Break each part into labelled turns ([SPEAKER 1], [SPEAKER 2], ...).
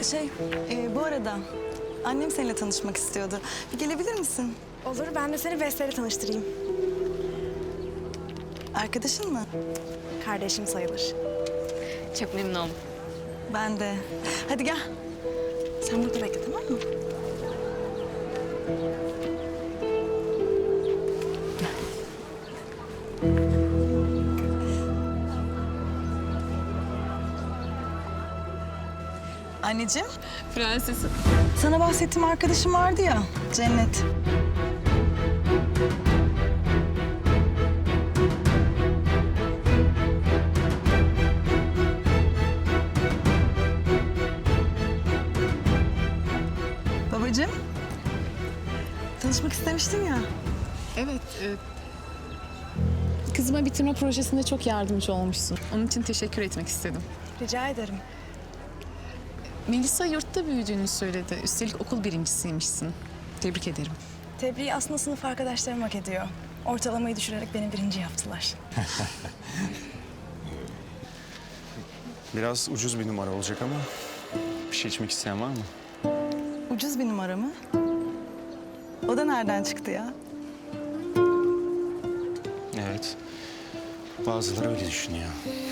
[SPEAKER 1] Bu arada annem seninle tanışmak istiyordu. Bir gelebilir misin?
[SPEAKER 2] Olur, ben de seni Beste'yle tanıştırayım.
[SPEAKER 1] Arkadaşın mı?
[SPEAKER 2] Kardeşim sayılır.
[SPEAKER 3] Çok memnun oldum.
[SPEAKER 1] Ben de. Hadi gel.
[SPEAKER 2] Sen burada bekle, tamam mı?
[SPEAKER 1] Anneciğim,
[SPEAKER 3] Prensesim.
[SPEAKER 1] sana bahsettiğim arkadaşım vardı ya, Cennet. Babacığım, tanışmak istemiştim ya.
[SPEAKER 3] Evet. Kızıma bitirme projesinde çok yardımcı olmuşsun. Onun için teşekkür etmek istedim.
[SPEAKER 2] Rica ederim.
[SPEAKER 3] Melisa yurtta büyüdüğünü söyledi. Üstelik okul birincisiymişsin. Tebrik ederim.
[SPEAKER 2] Tebriği aslında sınıf arkadaşlarım hak ediyor. Ortalamayı düşürerek beni birinci yaptılar.
[SPEAKER 4] Biraz ucuz bir numara olacak ama bir şey içmek isteyen var mı?
[SPEAKER 1] Ucuz bir numara mı? O da nereden çıktı ya?
[SPEAKER 4] Evet. Bazıları öyle düşünüyor.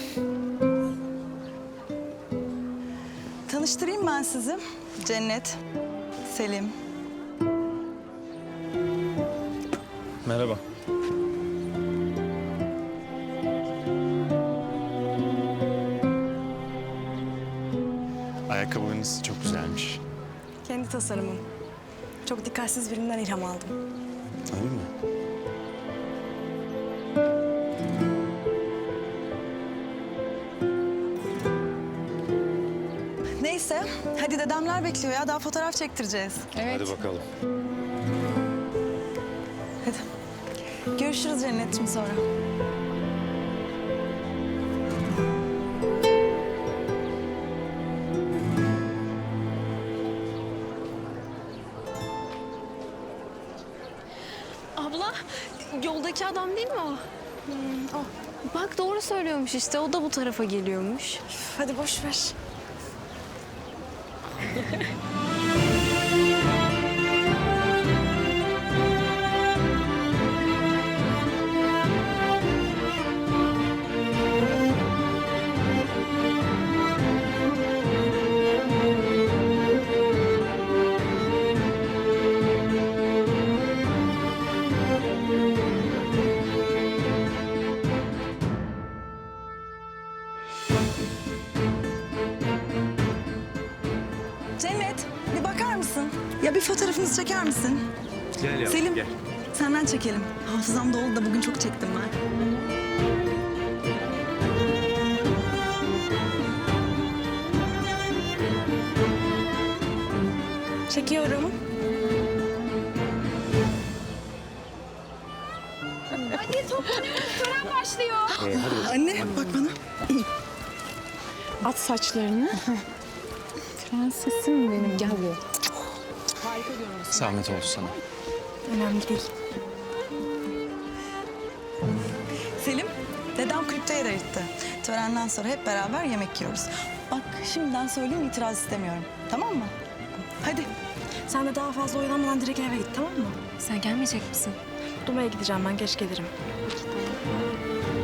[SPEAKER 1] Tanıştırayım ben sizi. Cennet, Selim.
[SPEAKER 4] Merhaba. Ayakkabılarınız çok güzelmiş.
[SPEAKER 2] Kendi tasarımım. Çok dikkatsiz birinden ilham aldım.
[SPEAKER 4] Öyle mi?
[SPEAKER 1] Neyse, hadi dedemler bekliyor ya. Daha fotoğraf çektireceğiz.
[SPEAKER 3] Evet.
[SPEAKER 4] Hadi bakalım.
[SPEAKER 1] Hadi. Görüşürüz Cennet'ciğim sonra.
[SPEAKER 5] Abla, yoldaki adam değil mi o? O. Bak doğru söylüyormuş işte. O da bu tarafa geliyormuş.
[SPEAKER 2] Üf, hadi boş ver.
[SPEAKER 1] Cennet, bir bakar mısın? Ya bir fotoğrafınızı çeker misin?
[SPEAKER 4] Gel yavrum,
[SPEAKER 1] Selim,
[SPEAKER 4] gel.
[SPEAKER 1] senden çekelim. Hafızam dolu da bugün çok çektim ben.
[SPEAKER 2] Çekiyorum.
[SPEAKER 5] Hadi toplanıyoruz. Tören başlıyor.
[SPEAKER 1] Anne, bak bana.
[SPEAKER 3] At saçlarını. Prensesim benim. Gel buraya.
[SPEAKER 4] Zahmet oldu sana.
[SPEAKER 2] Önemli değil.
[SPEAKER 1] Selim, dedem kulüpte yer ayırttı. Törenden sonra hep beraber yemek yiyoruz. Bak, şimdiden söyleyeyim, itiraz istemiyorum. Tamam mı? Hadi.
[SPEAKER 2] Sen de daha fazla oyalanmadan direkt eve git, tamam mı?
[SPEAKER 5] Sen gelmeyecek misin?
[SPEAKER 2] Duma'ya gideceğim ben, geç gelirim.